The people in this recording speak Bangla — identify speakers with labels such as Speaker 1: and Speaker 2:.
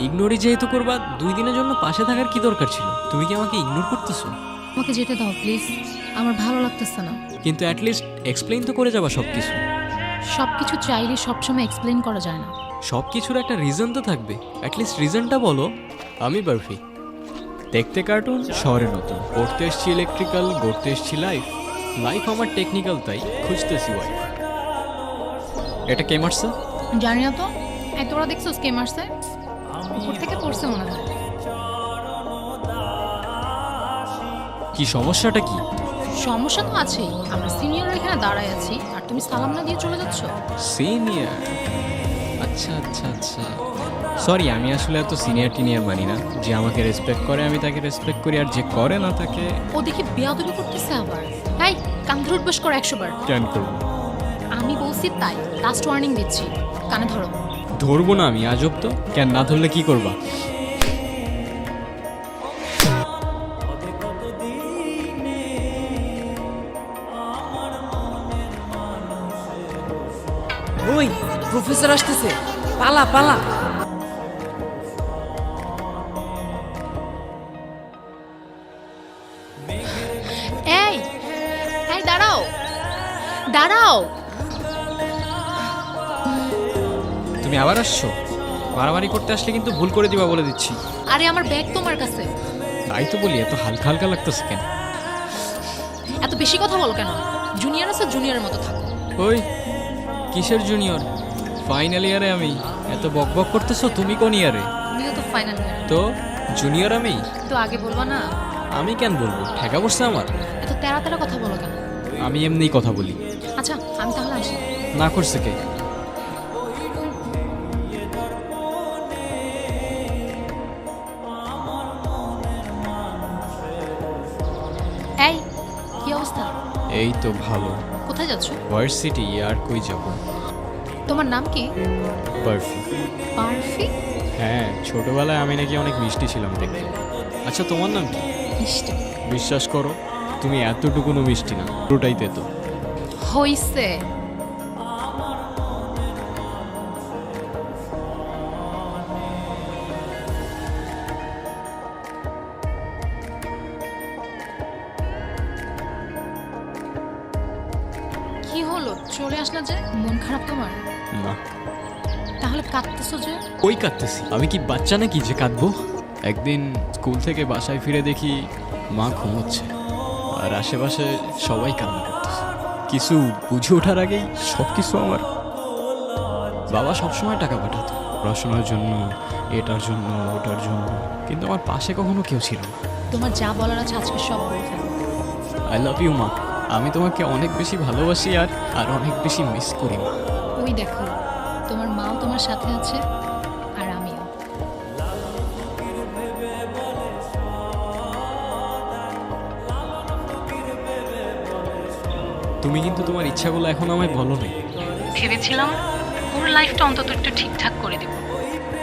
Speaker 1: ইগনোরই যেহেতু করবা, 2 দিনের জন্য পাশে থাকার কি দরকার ছিল? তুমি কি আমাকে ইগনোর করতেছো?
Speaker 2: আমাকে যেতে দাও প্লিজ, আমার ভালো লাগতেছে না।
Speaker 1: কিন্তু অ্যাটলিস্ট এক্সপ্লেইন তো করে যাবা সব কিছু।
Speaker 2: সব কিছু চাইলে সবসময় এক্সপ্লেন করা যায় না।
Speaker 1: সব কিছুর একটা রিজন তো থাকবে, অ্যাটলিস্ট রিজনটা বলো। আমি বারফি, দেখতে কার্টুন, শহরে নতুন, পড়তে এসছি ইলেকট্রিক্যাল, গড়তে এসছি লাইফ। লাইফ আমার টেকনিক্যাল, তাই খুঁজতেছি ওয়াইফ। এটা কে মারছে?
Speaker 2: জানি না তো। এই তোরা দেখছো কে মারছে? উপর থেকে পড়ছে মনে হয়।
Speaker 1: কি সমস্যাটা কি?
Speaker 2: সমস্যা তো আছেই, আমরা সিনিয়র এখানে দাঁড়ায় আছি আর তুমি সালাম না দিয়ে চলে যাচ্ছ।
Speaker 1: সিনিয়র? আচ্ছা আচ্ছা আচ্ছা, সরি, আমি আসলে এত সিনিয়র টিনিয়র মানি না। যে আমাকে রেসপেক্ট করে আমি তাকে রেসপেক্ট করি, আর যে করে না তাকে
Speaker 2: ও দেখি বেয়াদবি করতেছে আবার। এই কান ধরে উঠবস কর 100 বার।
Speaker 1: ক্যান করবো।
Speaker 2: আমি বলছি তাই, লাস্ট ওয়ার্নিং দিচ্ছি, কানে ধরো।
Speaker 1: ধরবো না আমি, আজব তো। কেন না ধরলে কি করবা?
Speaker 3: ওই প্রফেসর আসতেছে, পালা পালা।
Speaker 2: এই এই দাঁড়াও দাঁড়াও।
Speaker 1: তুমি আবার আসছো? মারামারি করতে আসলে কিন্তু ভুল করে দিবা বলে দিচ্ছি।
Speaker 2: আরে আমার ব্যাগ তোমার কাছে।
Speaker 1: তাই তো বলি, এত হালকা হালকা লাগতেছে কেন?
Speaker 2: এত বেশি কথা বলো কেন? জুনিয়র আছে, জুনিয়রের মতো থাকো।
Speaker 1: ওই কিসের জুনিয়র? ফাইনাল ইয়ারে আমি। এত বক বক করতেছো, তুমি কোন ইয়ারে?
Speaker 2: তুমিও তো ফাইনাল ইয়ার।
Speaker 1: তো জুনিয়র আমি।
Speaker 2: তো আগে বলবা না?
Speaker 1: আমি কেন বলবো, ঠেকা পড়ছে আমার।
Speaker 2: এত তেরা তেরা কথা বলো কেন?
Speaker 1: আমি এমনিই কথা বলি।
Speaker 2: আচ্ছা আমি তাহলে আসি।
Speaker 1: না করছে কে?
Speaker 2: এই কি অবস্থা?
Speaker 1: এই তো ভালো।
Speaker 2: কোথায় যাচ্ছ?
Speaker 1: ভার্সিটি, আর কই যাব?
Speaker 2: তোমার নাম কি?
Speaker 1: বারফি।
Speaker 2: বারফি?
Speaker 1: হ্যাঁ, ছোটবেলায় আমি নাকি অনেক মিষ্টি ছিলাম দেখতে। আচ্ছা, তোমার নাম কি?
Speaker 2: মিষ্টি?
Speaker 1: বিশ্বাস করো, তুমি এতটুকুনো মিষ্টি না, পুরোটাই তেতো।
Speaker 2: হইছে। কি হলো, চলে আসলা যে? মন খারাপ তোমার?
Speaker 1: না।
Speaker 2: তাহলে কাঁদতেছো যে?
Speaker 1: ওই কাঁদতেছি, আমি কি বাচ্চা নাকি যে কাঁদবো? একদিন স্কুল থেকে বাসায় ফিরে দেখি মা ঘুমোচ্ছে, আর আশেপাশে সবাই কান্না করতেছে। কিছু বুঝে ওঠার আগেই সব কিছু আমার। বাবা সবসময় টাকা পাঠাতো পড়াশোনার জন্য, এটার জন্য ওটার জন্য, কিন্তু আমার পাশে কখনো কেউ ছিল না।
Speaker 2: তোমার যা বলার আছে আজকে সব বলে ফেলো।
Speaker 1: আই লাভ ইউ মা। আমি তোমাকে অনেক বেশি ভালোবাসি, আর অনেক বেশি মিস করি মা।
Speaker 2: ওই দেখো, তোমার মাও তোমার সাথে আছে আর আমিও।
Speaker 1: তুমি কিন্তু তোমার ইচ্ছাগুলো এখন আমায় বলো না।
Speaker 2: ভেবেছিলাম ওর লাইফটা অন্তত একটু ঠিকঠাক করে দিব,